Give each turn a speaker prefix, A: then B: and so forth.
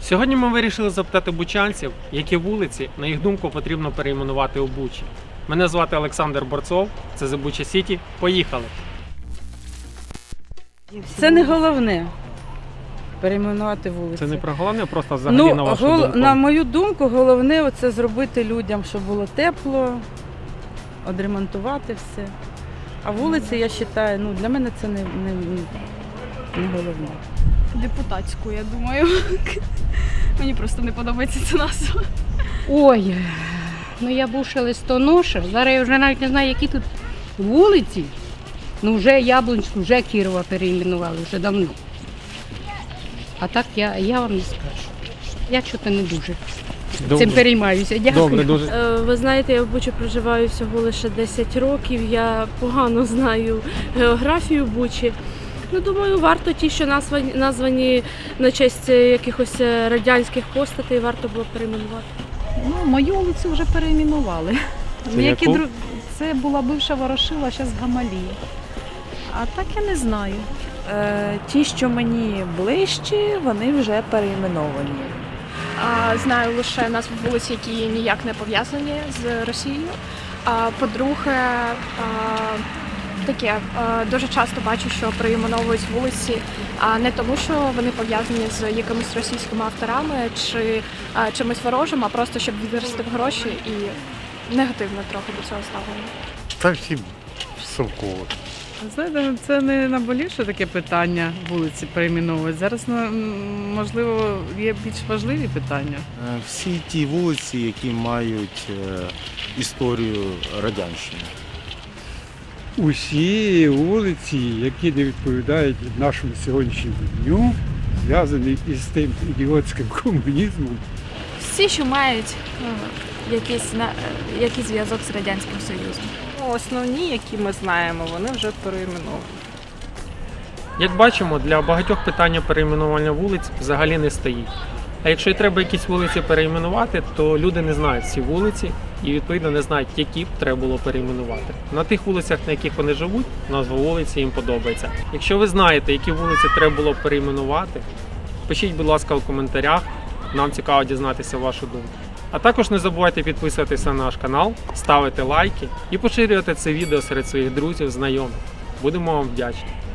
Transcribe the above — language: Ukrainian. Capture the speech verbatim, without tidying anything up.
A: Сьогодні ми вирішили запитати бучанців, які вулиці, на їх думку, потрібно перейменувати у Бучі. Мене звати Олександр Борцов, це The Bucha City. Поїхали!
B: Це не головне перейменувати вулиці.
A: Це не про головне, просто взагалі
B: ну,
A: на вашу
B: гол...
A: думку.
B: На мою думку, головне це зробити людям, щоб було тепло, відремонтувати все. А вулиці, я вважаю, ну, для мене це не, не, не головне.
C: Депутатську, я думаю. Мені просто не подобається ця назва.
D: Ой, ну я бувша листоноша. Зараз я вже навіть не знаю, які тут вулиці. Ну вже Яблунську, вже Кірова перейменували, вже давно. А так я, я вам не скажу. Я чого не дуже
A: Добре.
D: цим переймаюся. Дякую.
A: Добре, дуже.
E: Е, Ви знаєте, я в Бучі проживаю всього лише десять років, я погано знаю географію Бучі. Ну, думаю, варто ті, що названі, названі на честь якихось радянських постатей, варто було перейменувати.
C: Ну, мою вулицю вже перейменували.
A: Це
C: Які
A: яку?
C: дру... Це була бивша Ворошила, зараз Гамалія. А так я не знаю.
F: Е, Ті, що мені ближчі, вони вже перейменовані.
G: А, Знаю лише назви вулиць, які ніяк не пов'язані з Росією. А, По-друге, а, таке, а, дуже часто бачу, що перейменовують вулиці а, не тому, що вони пов'язані з якимись російськими авторами чи а, чимось ворожим, а просто щоб відверсти гроші і негативно трохи до цього ставлення.
H: Та всі совково.
I: Знаєте, це не наболівше таке питання вулиці перейменовувати. Зараз, можливо, є більш важливі питання.
H: Е, Всі ті вулиці, які мають е, історію радянщини.
J: Усі вулиці, які не відповідають нашому сьогоднішньому дню, зв'язані із тим ідіотським комунізмом.
K: Всі, що мають ну, якийсь, на, якийсь зв'язок з Радянським Союзом.
F: Основні, які ми знаємо, вони вже перейменовані.
A: Як бачимо, для багатьох питання перейменування вулиць взагалі не стоїть. А якщо і треба якісь вулиці перейменувати, то люди не знають ці вулиці і, відповідно, не знають, які б треба було перейменувати. На тих вулицях, на яких вони живуть, назва вулиці їм подобається. Якщо ви знаєте, які вулиці треба було перейменувати, пишіть, будь ласка, у коментарях. Нам цікаво дізнатися вашу думку. А також не забувайте підписуватися на наш канал, ставити лайки і поширювати це відео серед своїх друзів, знайомих. Будемо вам вдячні.